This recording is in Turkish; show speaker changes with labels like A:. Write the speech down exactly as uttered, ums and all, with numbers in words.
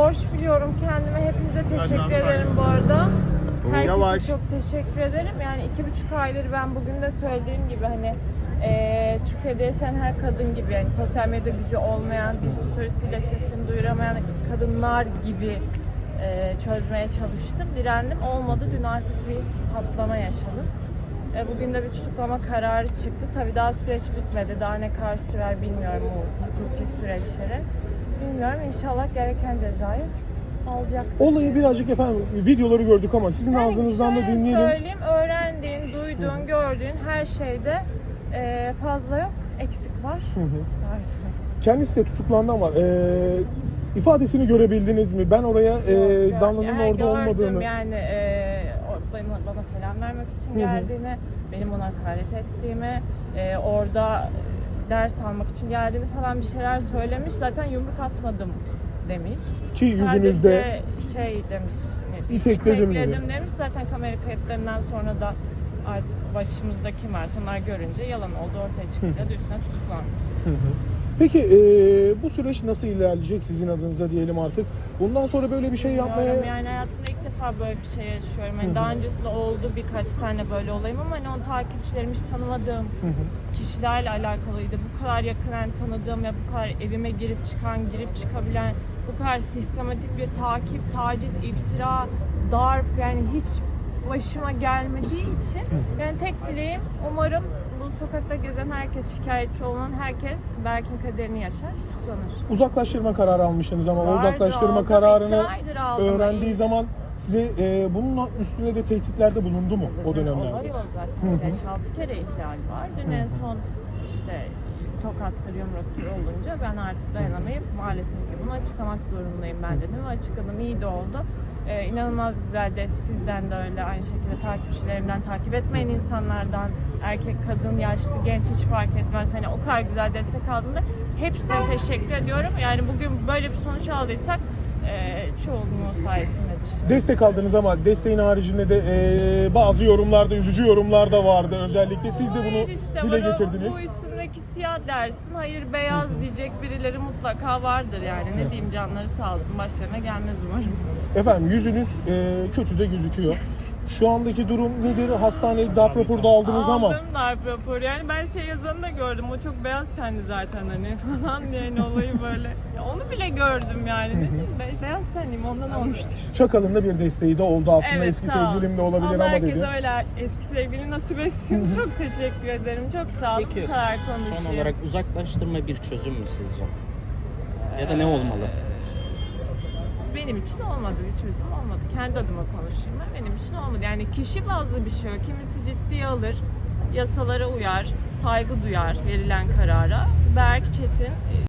A: borç biliyorum kendime. Hepinize teşekkür ederim bu arada. Herkese
B: Yavaş.
A: çok teşekkür ederim. Yani iki buçuk aydır ben bugün de söylediğim gibi hani e, Türkiye'de yaşayan her kadın gibi, yani sosyal medya gücü olmayan, bir storiesiyle sesini duyuramayan kadınlar gibi e, çözmeye çalıştım. Direndim. Olmadı. Dün artık bir patlama yaşadım. E, bugün de bir tutuklama kararı çıktı. Tabii daha süreç bitmedi. Daha ne kadar sürer bilmiyorum bu hukuki süreçleri. Bilmiyorum. İnşallah gereken cezayı alacak.
B: Olayı birazcık efendim videoları gördük ama sizin
A: Yani
B: ağzınızdan da
A: şöyle
B: dinleyelim.
A: söyleyeyim, öğrendiğin, duyduğun, gördüğün her şeyde e, fazla yok, eksik var.
B: Hı hı.
A: Var.
B: Kendisi de tutuklandı ama e, ifadesini görebildiniz mi? Ben oraya e,
A: Yok,
B: Danlı'nın
A: yani
B: orada
A: gördüm,
B: olmadığını...
A: yani e, o- bana, bana selam vermek için
B: Hı hı.
A: geldiğini, benim ona hakaret ettiğimi, e, orada ders almak için geldiğini falan bir şeyler söylemiş. Zaten yumruk atmadım demiş.
B: Ki yüzünüzde
A: sadece şey demiş. ne-
B: itekledim dedi.
A: itekledim demiş. Zaten kamera kayıtlarından sonra da artık başımızda kim varsa onlar görünce yalan oldu ortaya çıkınca da üstüne tutuklandı.
B: Hı hı. Peki e, bu süreç nasıl ilerleyecek sizin adınıza diyelim artık? Bundan sonra böyle bir şey yapmaya...
A: Bilmiyorum, yani hayatımda ilk defa böyle bir şey yaşıyorum. Yani daha öncesinde oldu birkaç tane böyle olayım ama hani o takipçilerim hiç tanımadığım kişilerle alakalıydı. Bu kadar yakından tanıdığım ve bu kadar evime girip çıkan, girip çıkabilen, bu kadar sistematik bir takip, taciz, iftira, darp, yani hiç başıma gelmediği için yani tek dileğim, umarım bu sokakta gezen herkes, şikayetçi olan herkes Berk'in kaderini yaşar, tutuklanır.
B: Uzaklaştırma kararı almıştınız ama o
A: Vardı,
B: uzaklaştırma
A: aldım.
B: kararını
A: İki aydır aldım.
B: öğrendiği zaman size e, bunun üstüne de tehditlerde bulundu mu o dönemlerde?
A: Oluyor zaten. beş altı kere ihlal var. Dün en son işte tokattır, yumruktur olunca ben artık dayanamayıp maalesef ki bunu açıklamak zorundayım ben dedim ve açıkladım. İyi de oldu. Ee, inanılmaz güzel de sizden de öyle, aynı şekilde takipçilerimden, takip etmeyen insanlardan, erkek, kadın, yaşlı, genç hiç fark etmez. Hani o kadar güzel destek aldığımda hepsine teşekkür ediyorum. Yani bugün böyle bir sonuç aldıysak e, çoğunluğu sayesindedir.
B: Destek aldınız ama desteğin haricinde de e, bazı yorumlarda, üzücü yorumlar da vardı. Özellikle siz de bunu
A: Hayır işte,
B: dile
A: bana
B: getirdiniz.
A: Bu üstündeki siyah dersin, hayır beyaz diyecek birileri mutlaka vardır yani. Ne diyeyim, canları sağ olsun, başlarına gelmez umarım.
B: Efendim yüzünüz e, kötü de gözüküyor. Şu andaki durum nedir? Hastanede darp raporu da aldınız ama.
A: Aldım darp raporu, yani ben şey yazanı da gördüm, o çok beyaz tenli zaten hani falan, yani olayı böyle. Ya onu bile gördüm yani, ne diyeyim, be- beyaz tenliyim ondan olmuştur.
B: Çakal'ın da bir desteği de oldu aslında.
A: Evet,
B: Eski
A: sağ ol.
B: sevgilim de olabilir
A: Allah
B: ama
A: herkese
B: dedi.
A: öyle eski sevgili nasip etsin. Çok teşekkür ederim, çok sağ olun.
C: Peki
A: Bu kadar konuşayım.
C: son olarak uzaklaştırma bir çözüm mü sizce? Ya da ne olmalı?
A: Benim için olmadı, bir çözüm olmadı. Kendi adıma konuşayım ben. Benim için olmadı. Yani kişi bazlı bir şey o. Kimisi ciddiye alır, yasalara uyar, saygı duyar verilen karara. Berk Çetin